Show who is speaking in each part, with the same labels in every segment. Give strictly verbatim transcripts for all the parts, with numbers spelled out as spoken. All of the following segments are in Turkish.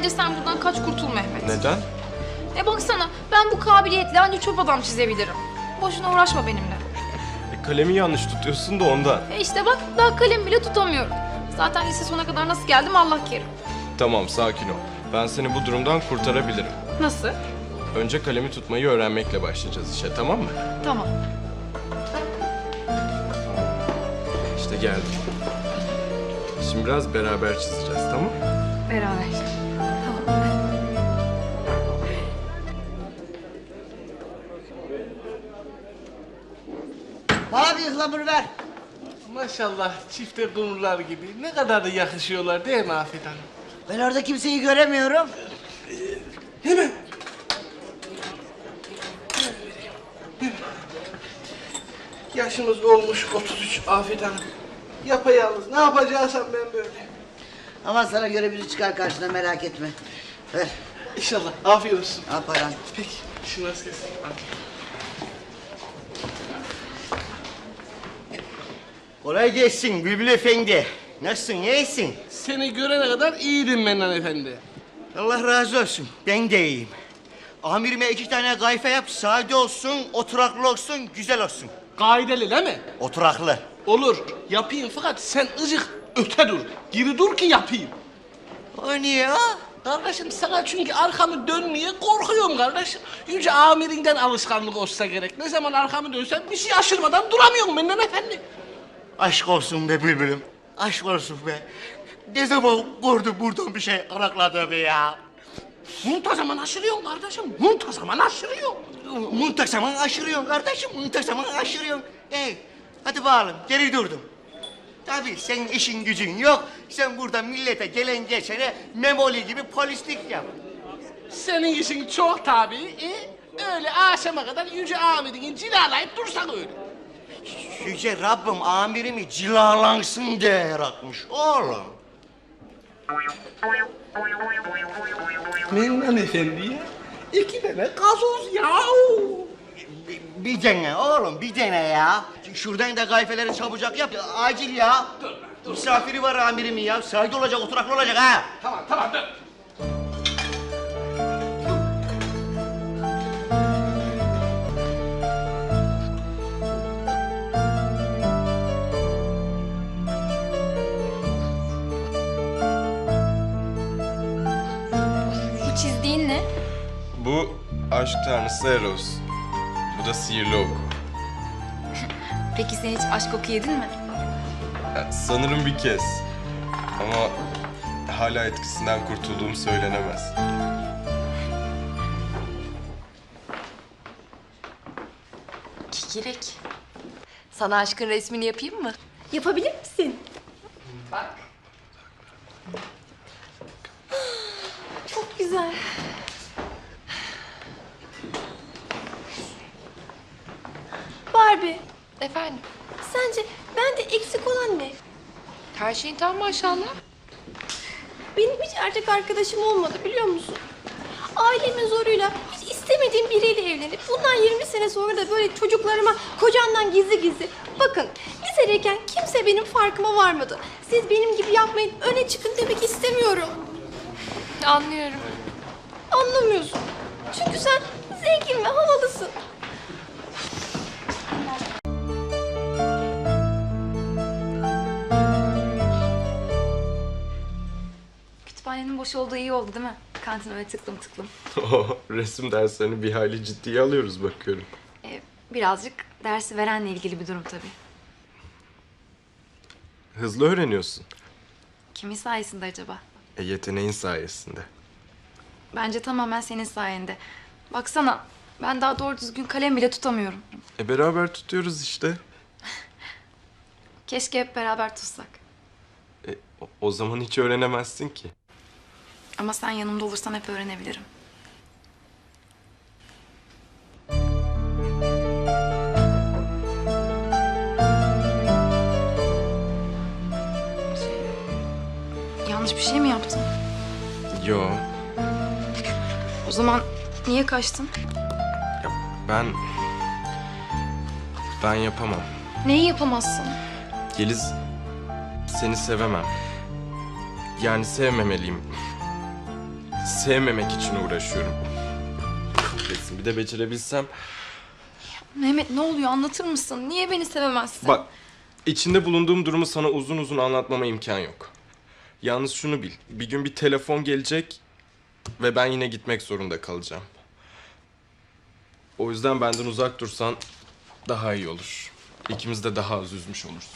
Speaker 1: Bence sen buradan kaç kurtul Mehmet.
Speaker 2: Neden?
Speaker 1: E baksana ben bu kabiliyetle ancak çöp adam çizebilirim. Boşuna uğraşma benimle.
Speaker 2: E, kalemi yanlış tutuyorsun da ondan.
Speaker 1: E işte bak daha kalem bile tutamıyorum. Zaten lise sona kadar nasıl geldim Allah kerim.
Speaker 2: Tamam, sakin ol. Ben seni bu durumdan kurtarabilirim.
Speaker 1: Nasıl?
Speaker 2: Önce kalemi tutmayı öğrenmekle başlayacağız işe, tamam mı?
Speaker 1: Tamam.
Speaker 2: İşte geldim. Şimdi biraz beraber çizeceğiz, tamam mı?
Speaker 1: Beraber. Tamam.
Speaker 3: Bana bir ıhlamur ver.
Speaker 4: Maşallah çifte kumrular gibi. Ne kadar da yakışıyorlar değil mi Afet Hanım?
Speaker 3: Ben orada kimseyi göremiyorum.
Speaker 4: Hemen. Yaşımız olmuş otuz üç Afet Hanım. Yapayalnız. Ne yapacaksam ben böyle.
Speaker 3: Aman sana göre biri çıkar karşına, merak etme. Ver.
Speaker 4: İnşallah. Afiyet olsun.
Speaker 3: Al paran.
Speaker 4: Peki. Şunu az kesin.
Speaker 5: Kolay gelsin Bülbül Efendi. Nasılsın, iyisin?
Speaker 4: Seni görene kadar iyiydim Mennan Efendi.
Speaker 5: Allah razı olsun, ben de iyiyim. Amirime iki tane kayfa yap, sade olsun, oturaklı olsun, güzel olsun.
Speaker 4: Kaideli değil mi?
Speaker 5: Oturaklı.
Speaker 4: Olur. Yapayım fakat sen ıcık öte dur. Geri dur ki yapayım.
Speaker 5: O niye ya?
Speaker 4: Kardeşim sana çünkü arkamı dönmeye korkuyorum kardeşim. Yüce amirinden alışkanlık olsa gerek. Ne zaman arkamı dönsem bir şey aşırmadan duramıyorum Mennan Efendi.
Speaker 5: Aşk olsun be Bülbül'üm, aşk olsun be. Ne zaman gördüm buradan bir şey arakladı be ya?
Speaker 4: Muntazaman aşırıyorsun kardeşim. Muntazaman aşırıyorsun.
Speaker 5: Muntazaman aşırıyorsun kardeşim, muntazaman aşırıyorsun. Ey, hadi bakalım, geri durdum. Tabii senin işin gücün yok. Sen burada millete gelen geçene memoli gibi polislik yap.
Speaker 4: Senin işin çok tabii. E, öyle akşama kadar yüce amirini cilalayıp dursan öyle.
Speaker 5: Yüce Rabbim amirimi cilalansın diye yaratmış oğlum.
Speaker 4: Mennan Efendi'ye iki tane gazoz ya.
Speaker 5: Bir, bir dene oğlum, bir dene ya. Şuradan da kayfeleri çabucak yap, acil ya. Misafiri var amirimin ya, saygı olacak, oturaklı olacak ha.
Speaker 4: Tamam tamam dur.
Speaker 1: Bu çizdiğin ne?
Speaker 2: Bu aşk tanrısı Eros. Bu da sihirli oku.
Speaker 1: Peki sen hiç aşk oku yedin mi?
Speaker 2: Ya, sanırım bir kez. Ama hala etkisinden kurtulduğum söylenemez.
Speaker 6: Kikirek. Sana aşkın resmini yapayım mı?
Speaker 1: Yapabilir misin?
Speaker 6: Bak.
Speaker 1: Çok güzel. Barbie,
Speaker 6: Efendim?
Speaker 1: sence bende eksik olan ne?
Speaker 6: Her şeyin tam maşallah.
Speaker 1: Benim hiç erkek arkadaşım olmadı biliyor musun? Ailemin zoruyla hiç istemediğim biriyle evlenip bundan yirmi sene sonra da böyle çocuklarıma kocamdan gizli gizli. Bakın lisedeyken kimse benim farkıma varmadı. Siz benim gibi yapmayın, öne çıkın demek istemiyorum.
Speaker 6: Anlıyorum.
Speaker 1: Anlamıyorsun. Çünkü sen zengin ve havalısın. Kütüphanenin boş olduğu iyi oldu değil mi? Kantin öyle tıklım tıklım.
Speaker 2: Resim derslerini bir hayli ciddiye alıyoruz bakıyorum.
Speaker 1: Ee, birazcık dersi verenle ilgili bir durum tabii.
Speaker 2: Hızlı öğreniyorsun.
Speaker 1: Kimin sayesinde acaba?
Speaker 2: E, yeteneğin sayesinde.
Speaker 1: Bence tamamen senin sayende. Baksana ben daha doğru düzgün kalem bile tutamıyorum.
Speaker 2: E beraber tutuyoruz işte.
Speaker 1: Keşke hep beraber tutsak.
Speaker 2: E, o, o zaman hiç öğrenemezsin ki.
Speaker 1: Ama sen yanımda olursan hep öğrenebilirim. Şey, yanlış bir şey mi yaptım?
Speaker 2: Yo.
Speaker 1: O zaman niye kaçtın?
Speaker 2: Ya ben... Ben yapamam.
Speaker 1: Neyi yapamazsın?
Speaker 2: Yeliz, seni sevemem. Yani sevmemeliyim. sevmemek için uğraşıyorum. Kahretsin, bir de becerebilsem.
Speaker 1: Mehmet ne oluyor anlatır mısın? Niye beni sevemezsin?
Speaker 2: Bak, içinde bulunduğum durumu sana uzun uzun anlatmama imkan yok. Yalnız şunu bil, bir gün bir telefon gelecek ve ben yine gitmek zorunda kalacağım. O yüzden benden uzak dursan daha iyi olur. İkimiz de daha az üzmüş oluruz.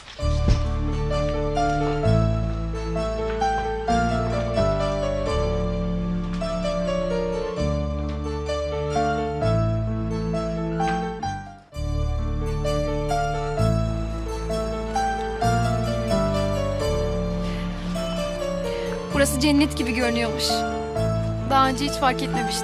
Speaker 1: Burası cennet gibi görünüyormuş. Daha önce hiç fark etmemiştim.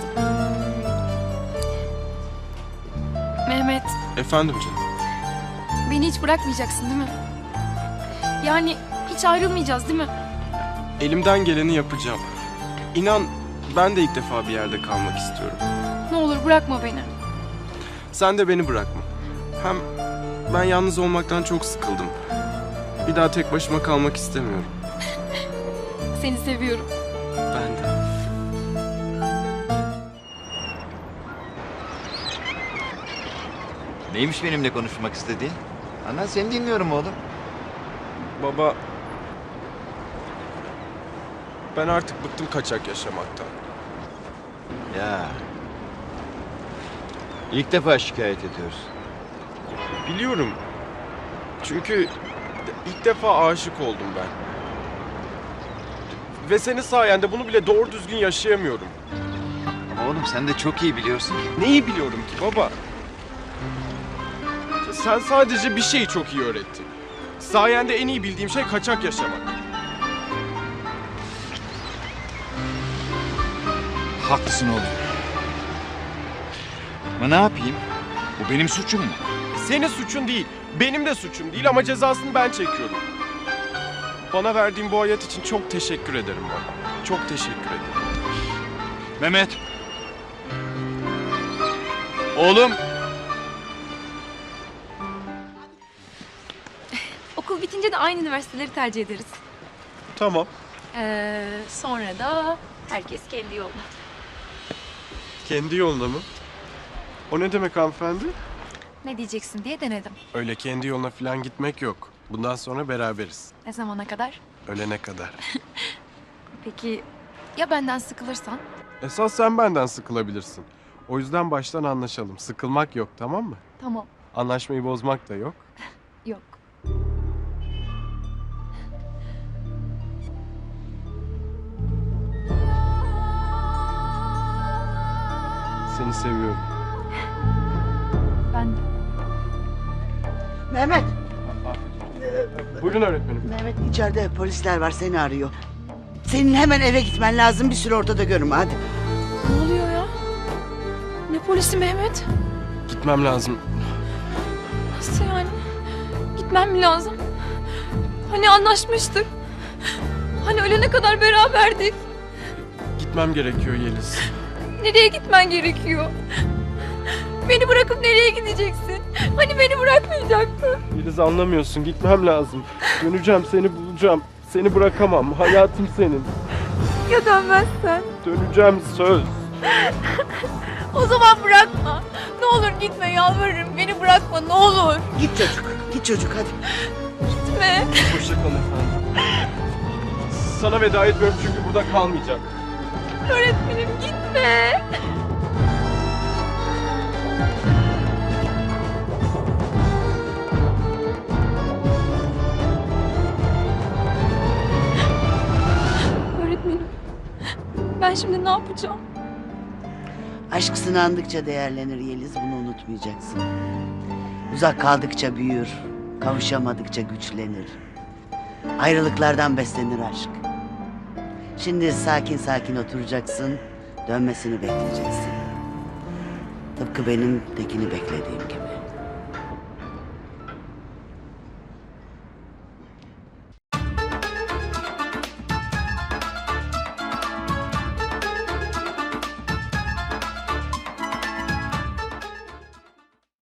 Speaker 1: Mehmet,
Speaker 2: Efendim canım.
Speaker 1: beni hiç bırakmayacaksın değil mi? Yani hiç ayrılmayacağız değil mi?
Speaker 2: Elimden geleni yapacağım. İnan, ben de ilk defa bir yerde kalmak istiyorum.
Speaker 1: Ne olur bırakma beni.
Speaker 2: Sen de beni bırakma. Hem ben yalnız olmaktan çok sıkıldım. Bir daha tek başıma kalmak istemiyorum.
Speaker 1: Seni seviyorum.
Speaker 2: Ben de.
Speaker 7: Neymiş benimle konuşmak istediğin? Ana seni dinliyorum oğlum.
Speaker 2: Baba... Ben artık bıktım kaçak yaşamaktan.
Speaker 7: Ya. İlk defa şikayet ediyoruz.
Speaker 2: Biliyorum. Çünkü ilk defa aşık oldum ben. Ve senin sayende bunu bile doğru düzgün yaşayamıyorum.
Speaker 7: Ama oğlum sen de çok iyi biliyorsun.
Speaker 2: Neyi biliyorum ki baba? Sen sadece bir şeyi çok iyi öğrettin. Sayende en iyi bildiğim şey kaçak yaşamak.
Speaker 7: Haklısın oğlum. Ama ne yapayım? Bu benim suçum mu?
Speaker 2: Senin suçun değil, benim de suçum değil ama cezasını ben çekiyorum. Bana verdiğin bu hayat için çok teşekkür ederim baba. Çok teşekkür ederim.
Speaker 7: Mehmet. Oğlum.
Speaker 1: Okul bitince de aynı üniversiteleri tercih ederiz.
Speaker 2: Tamam.
Speaker 1: Ee, sonra da herkes kendi yoluna.
Speaker 2: Kendi yoluna mı? O ne demek hanımefendi?
Speaker 1: Ne diyeceksin diye denedim.
Speaker 2: Öyle kendi yoluna falan gitmek yok. Bundan sonra beraberiz.
Speaker 1: Ne zamana kadar?
Speaker 2: Ölene kadar.
Speaker 1: Peki ya benden sıkılırsan?
Speaker 2: Esas sen benden sıkılabilirsin. O yüzden baştan anlaşalım. Sıkılmak yok, tamam mı?
Speaker 1: Tamam.
Speaker 2: Anlaşmayı bozmak da yok.
Speaker 1: Yok.
Speaker 2: Seni seviyorum.
Speaker 1: Ben de.
Speaker 3: Mehmet,
Speaker 2: Buyurun öğretmenim.
Speaker 3: Mehmet içeride polisler var seni arıyor. Senin hemen eve gitmen lazım bir süre ortada görünme hadi.
Speaker 1: Ne oluyor ya? Ne polisi Mehmet?
Speaker 2: Gitmem lazım.
Speaker 1: Nasıl yani? Gitmem mi lazım? Hani anlaşmıştık? Hani ölene kadar beraberdik?
Speaker 2: Gitmem gerekiyor Yeliz.
Speaker 1: Nereye gitmen gerekiyor? Beni bırakıp nereye gideceksin? Hani beni bırakmayacaktın?
Speaker 2: Yeliz anlamıyorsun. Gitmem lazım. Döneceğim, seni bulacağım. Seni bırakamam. Hayatım senin.
Speaker 1: Ya dönmezsen?
Speaker 2: Döneceğim söz.
Speaker 1: O zaman bırakma. Ne olur gitme yalvarırım. Beni bırakma ne olur.
Speaker 3: Git çocuk, git çocuk hadi.
Speaker 1: Gitme.
Speaker 2: Hoşça kalın efendim. Sana veda etmiyorum çünkü burada kalmayacak.
Speaker 1: Öğretmenim gitme. Öğretmenim. Ben şimdi ne yapacağım?
Speaker 3: Aşk sınandıkça değerlenir Yeliz, bunu unutmayacaksın. Uzak kaldıkça büyür, kavuşamadıkça güçlenir. Ayrılıklardan beslenir aşk. Şimdi sakin sakin oturacaksın, dönmesini bekleyeceksin. Tıpkı benim Tekin'i beklediğim gibi.